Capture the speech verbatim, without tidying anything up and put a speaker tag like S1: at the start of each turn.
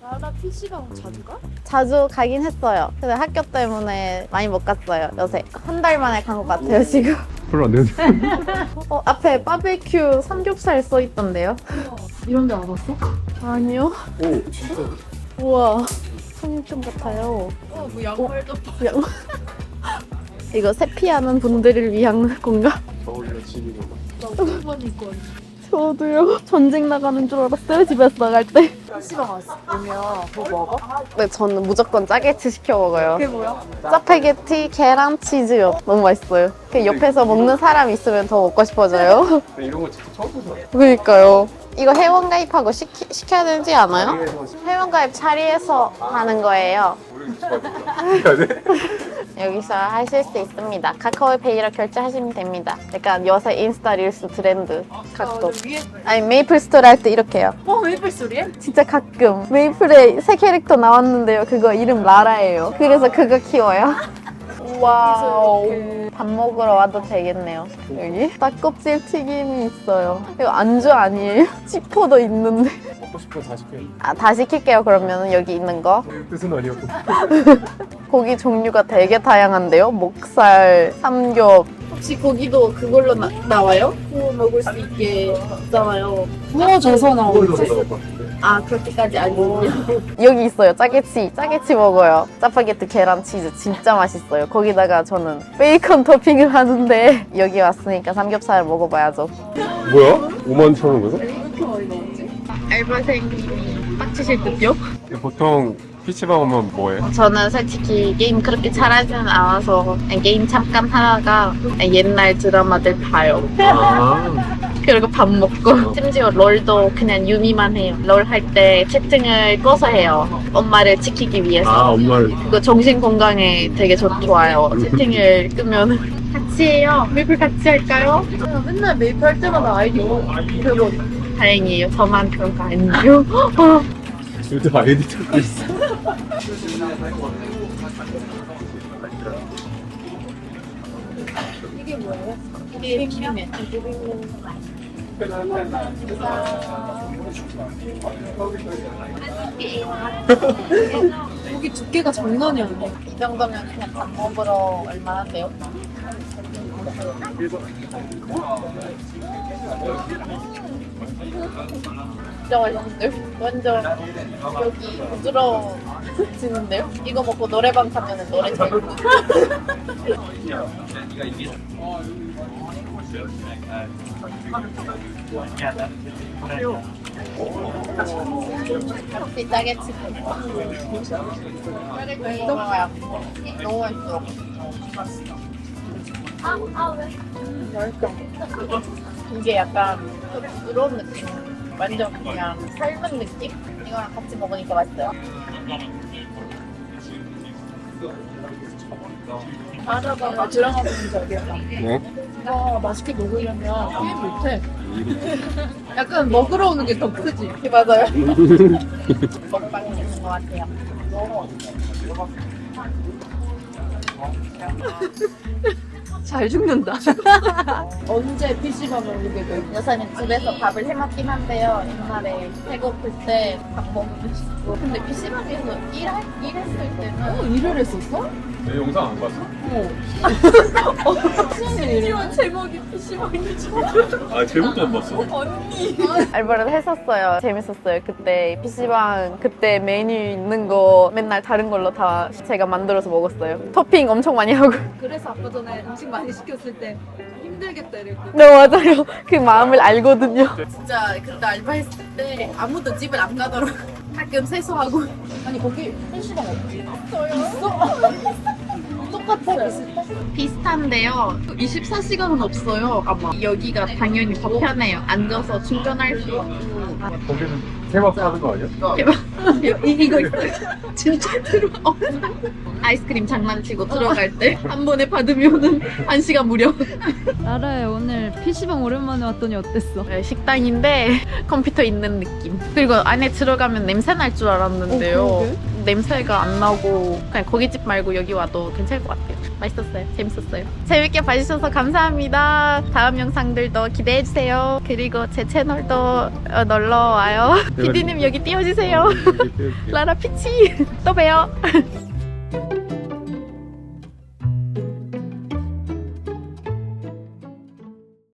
S1: 나라 피시방 자주 가?
S2: 자주 가긴 했어요. 근데 학교 때문에 많이 못 갔어요, 요새. 한 달 만에 간 것 같아요, 지금.
S3: 별로 안 되는데.
S2: 어, 앞에 바베큐 삼겹살 써 있던데요?
S1: 이런 데 와봤어?
S2: 아니요.
S3: 오, 진짜.
S2: 우와, 청육점 같아요.
S1: 어, 뭐 양말도
S2: 양... 이거 세피하는 분들을 위한 건가?
S3: 겨울이라 집이고.
S1: 나 오랜만에 입고 왔는데.
S2: 저도요. 전쟁 나가는 줄 알았어요, 집에서 나갈 때.
S1: 피시방 왔어. 오면 뭐 먹어?
S2: 네, 저는 무조건 짜게티 시켜 먹어요.
S1: 그게 뭐야?
S2: 짜파게티, 계란, 치즈요. 너무 맛있어요. 그 옆에서 먹는 사람 있으면 더 먹고 싶어져요.
S3: 근데 이런 거 진짜 처음 보죠.
S2: 그러니까요. 이거 회원가입하고 시키, 시켜야 되지 않아요?
S3: 자리에서
S2: 회원가입 자리에서 하는 거예요.
S3: 우리 해야 돼?
S2: 여기서 하실 수 있습니다. 카카오페이로 결제하시면 됩니다. 약간 요새 인스타 릴스 트렌드 각도.
S1: 어, 위에
S2: 아니 메이플 스토리 할 때 이렇게 해요.
S1: 어 메이플 소리에?
S2: 진짜 가끔 메이플에 새 캐릭터 나왔는데요. 그거 이름 라라예요. 그래서 그거 키워요. 와우. 밥 먹으러 와도 되겠네요. 여기 닭껍질 튀김이 있어요. 이거 안주 아니에요? 치포도 있는데.
S3: 먹고 싶으면 다 시켜요.
S2: 아, 다 시킬게요. 그러면 여기 있는 거.
S3: 뜻은 아니었고.
S2: 고기 종류가 되게 다양한데요. 목살, 삼겹. 혹시 고기도 그걸로 나, 나와요? 구워 먹을 수 있게 있잖아요.
S1: 구워져서 나오는
S3: 그걸로 나올 것 같은데.
S2: 아, 그렇게까지 아니군요. 여기 있어요. 짜게치. 짜게치 먹어요. 짜파게티 계란 치즈 진짜 맛있어요. 거기다가 저는 베이컨 토핑을 하는데 여기 왔으니까 삼겹살 먹어봐야죠.
S3: 뭐야? 오만 천 원 거서?
S1: 이렇게 많이 나오지?
S2: 알바생님이 빡치실 듯요?
S3: 보통 피치방 오면 뭐해?
S2: 저는 솔직히 게임 그렇게 잘하지는 않아서 게임 잠깐 하다가 옛날 드라마들 봐요.
S3: 아,
S2: 그리고 밥 먹고 심지어 롤도 그냥 유미만 해요. 롤 할 때 채팅을 꺼서 해요. 엄마를 지키기 위해서.
S3: 아 엄마를.
S2: 그거 정신 건강에 되게 좋, 좋아요. 채팅을 끄면 같이 해요. 메이플 같이 할까요?
S1: 아, 맨날 메이플 할 때마다 아이디 그거
S2: 다행이에요. 저만 그런 거 아니에요.
S3: 요즘 아이디 찾고 있어.
S1: 이게 뭐예요?
S2: 이게 비빔면.
S1: 고기 두께가 장난이 아니야.
S2: 이 정도면 그냥 밥 먹으러 얼마나인데요? 진짜 맛있는데요? 완전 여기 부드러워지는데요? 이거 먹고 노래방 가면 노래 잘 부르고 혹시 짜게치 짜게치 먹어요. 너무 맛있어. 이게 약간 부드러운 느낌. 완전 그냥 삶은 느낌? 이거랑 같이 먹으니까 맛있어요.
S1: 알아봐 드라마 보는 적이야.
S3: 네?
S1: 아 맛있게 먹으려면 게임 못해. 약간 먹으러 오는 게 더 크지.
S2: 네, 맞아요. 먹방이 있는 것 같아요.
S1: 잘 죽는다. 언제 피시방을 오게 돼?
S2: 요새는 집에서 밥을 해먹긴 한데요. 옛날에 배고플 때 밥 먹으면 싶고. 근데 피시방에서 일할, 일했을 때는
S1: 어, 일을 했었어?
S3: 내 영상 안 봤어?
S1: 심지어 제목이 피시방이지.
S3: 아 제목도 안 봤어?
S1: 언니.
S2: 알바를 했었어요. 재밌었어요. 그때 피시방 그때 메뉴 있는 거 맨날 다른 걸로 다 제가 만들어서 먹었어요. 토핑 엄청 많이 하고.
S1: 그래서 아까 전에 음식 많이 시켰을 때 힘들겠다 이랬거든.
S2: 네 맞아요. 그 마음을 알거든요. 진짜 그때 알바했을 때 아무도 집을 안 가더라고. 가끔 세수하고.
S1: 아니 거기 피시방 없지?
S2: 있어? 똑같아요. 비슷한데요. 이십사 시간은 없어요. 아마 여기가 당연히 더 편해요. 앉아서 충전할 수 있고.
S3: 거기는 세박 사는 거 아니야?
S2: 대박. 이, 이거 있어요. 진짜 들어와. 아이스크림 장난치고 들어갈 때 한 번에 받으면은 한 시간 무료.
S4: 나라야 오늘 피시방 오랜만에 왔더니 어땠어?
S2: 네, 식당인데 컴퓨터 있는 느낌. 그리고 안에 들어가면 냄새 날 줄 알았는데요.
S4: 어, 그러게.
S2: 냄새가 안 나고 그냥 고깃집 말고 여기 와도 괜찮을 것 같아요. 맛있었어요. 재밌었어요. 재밌게 봐주셔서 감사합니다. 다음 영상들도 기대해주세요. 그리고 제 채널도 어, 놀러와요. 피디님 여기 띄워주세요. 라라 피치. 또 봬요.